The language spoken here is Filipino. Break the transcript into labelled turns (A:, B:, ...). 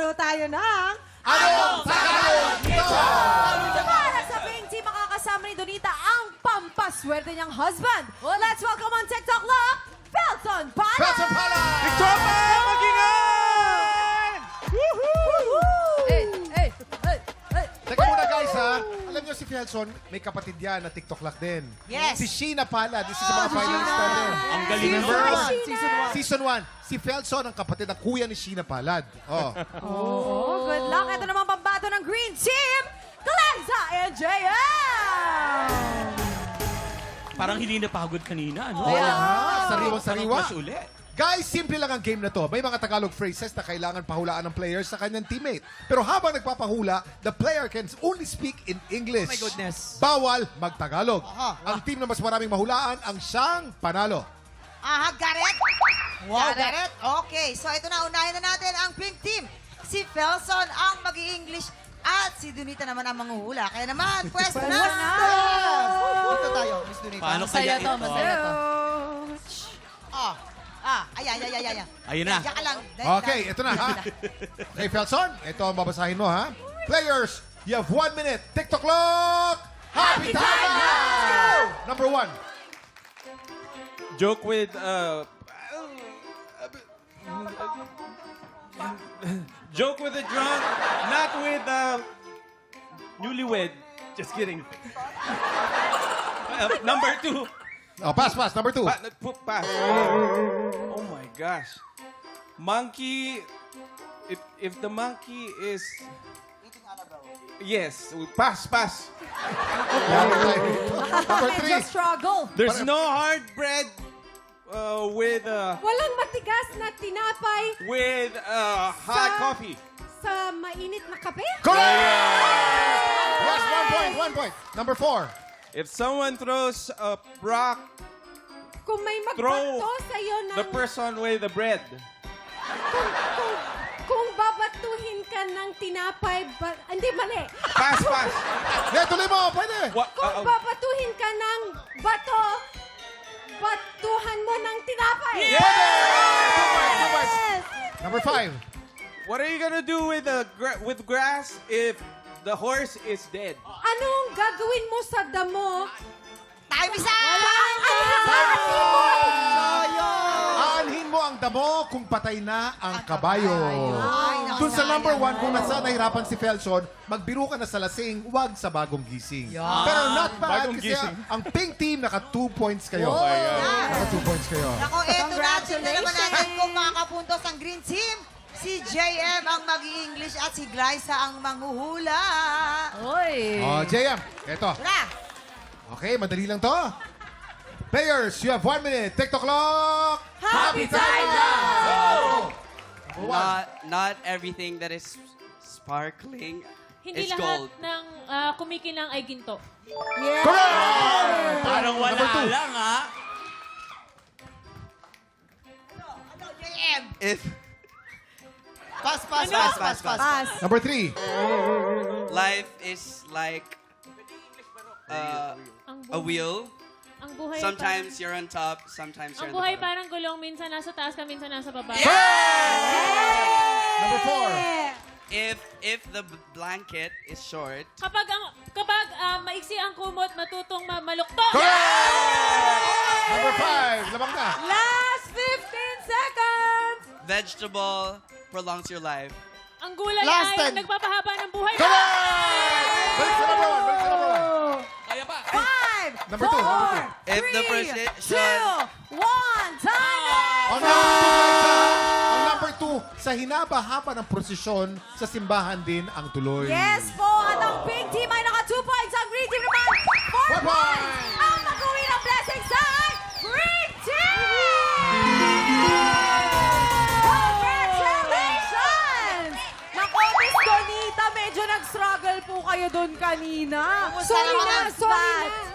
A: maglalaro tayo ng...
B: Anong Tagalog nito?
A: Para sa Pink Team, makakasama ni Donita ang pampaswerte niyang husband. Let's welcome on TikTok Love, Felton Pala!
B: Felton Pala!
C: Victor Pan! Mag-ingat!
B: Teka muna guys ha. Alam niyo si Felson, may kapatid yan na TikTok lock din.
A: Yes.
B: Si Sheena Pala. This is mga finalist natin.
C: Ang galing
B: Remember?
C: mo.
B: Season 1. Si Felson ang kapatid ng kuya ni Sheena Palad. Oh.
A: Oh, good luck. Ito naman pambato ng Green Team, Glenza and JM!
C: Parang hindi napagod kanina, ano?
B: Wala ha. Sariwang-sariwa.
C: Mas uli.
B: Guys, simple lang ang game na to. May mga Tagalog phrases na kailangan pahulaan ng players sa kanyang teammate. Pero habang nagpapahula, the player can only speak in English.
C: Oh my goodness.
B: Bawal mag-Tagalog. Ang team na mas maraming mahulaan ang siyang panalo.
D: Aha, got it? Wow, got it? Okay, so ito na, unahin na natin ang Pink Team. Si Felson ang mag-i-English at si Donita naman ang manghuhula. Kaya naman, pwesto na! Dito tayo, Miss Donita.
C: Paano kaya ito?
D: Ayan.
C: Ayun na.
D: Diyan ka lang.
B: Okay, ito na ha. Okay, Felson, ito ang babasahin mo ha. Players, you have 1 minute. TikTok clock! Happy time now! Number 1.
C: Joke with, joke with a drunk, not with, newlywed. Just kidding. Number 2.
B: Oh, pass. Number 2.
C: Pass. Oh my gosh. Monkey, if the monkey is... Yes, pass.
B: Number 3.
A: Medyo struggle.
C: There's no hard bread with
E: Walang matigas na tinapay
C: hot coffee.
E: sa mainit na kape.
B: Correct! Yes, 1 point. Number 4.
C: If someone throws a rock,
E: Kung may
C: throw
E: magbato sa'yo ng...
C: the person with the bread.
E: Kung babatuhin ka ng tinapay... Hindi, mali.
C: Pass.
B: Yeah, tuloy mo. Pwede.
C: What?
E: Kung babatuhin ka ng bato, batuhan mo ng tinapay.
B: Number 5.
C: What are you gonna do with with grass if the horse is dead?
E: Anong gagawin mo sa damo?
D: Time is up!
B: Aanhin mo ang damo kung patay na ang kabayo.
D: Ay,
B: Dun sa number 1, kung nasa nahirapan si Felson, magbiro ka na sa lasing, wag sa bagong gising. Pero not bad
C: Bagong
B: kasi
C: gising.
B: ang pink team naka 2 points kayo. Naka 2 points kayo.
D: Ako, eto natin na naman natin kung makakapuntos ang Green Team. Si JM ang mag-i-English at si Glyza ang manghuhula.
A: Oy.
B: Oh, JM, eto.
D: Tara!
B: Okay, madali lang to. Players, you have 1 minute. TikTok clock.
A: Happy time now!
F: Not everything that is sparkling
G: Hindi
F: is
G: lahat
F: gold.
G: ng kumikinang ay ginto.
B: Correct!
C: Parang wala
B: Number 2.
C: lang, ha?
D: Ano, JM?
F: If
D: Pass.
B: Number 3.
F: life is like
G: Ang
F: a wheel,
G: Ang buhay
F: sometimes you're on top, sometimes
G: ang
F: you're on
G: buhay
F: the bottom.
G: parang gulong, minsan nasa taas ka, minsan nasa baba.
B: Number 4.
F: If the blanket is short,
G: Kapag maiksi ang kumot, matutong malukto.
B: Number 5. Lamang na.
A: Last 15 seconds!
F: vegetable prolongs your life.
G: Ang gulay
D: Last
G: ay
D: 10.
G: nagpapahaba ng buhay.
B: Balik sa number 1.
C: Kaya pa.
A: 5,
B: Number 2.
F: If the
A: 3,
F: precision
A: 2, 1, time!
B: Ang number 2, sa hinaba-haba ng prosesyon, sa simbahan din ang tuloy.
A: Yes po, at ang Pink Team ay naka 2 points. Ang Green Team naman, 4
B: 4
A: points. Ang mag-uwi ng blessings ay Green Team! Congratulations! Naku, Miss Donita, medyo nag-struggle po kayo doon kanina.
D: Sorry na.
A: Sorry na.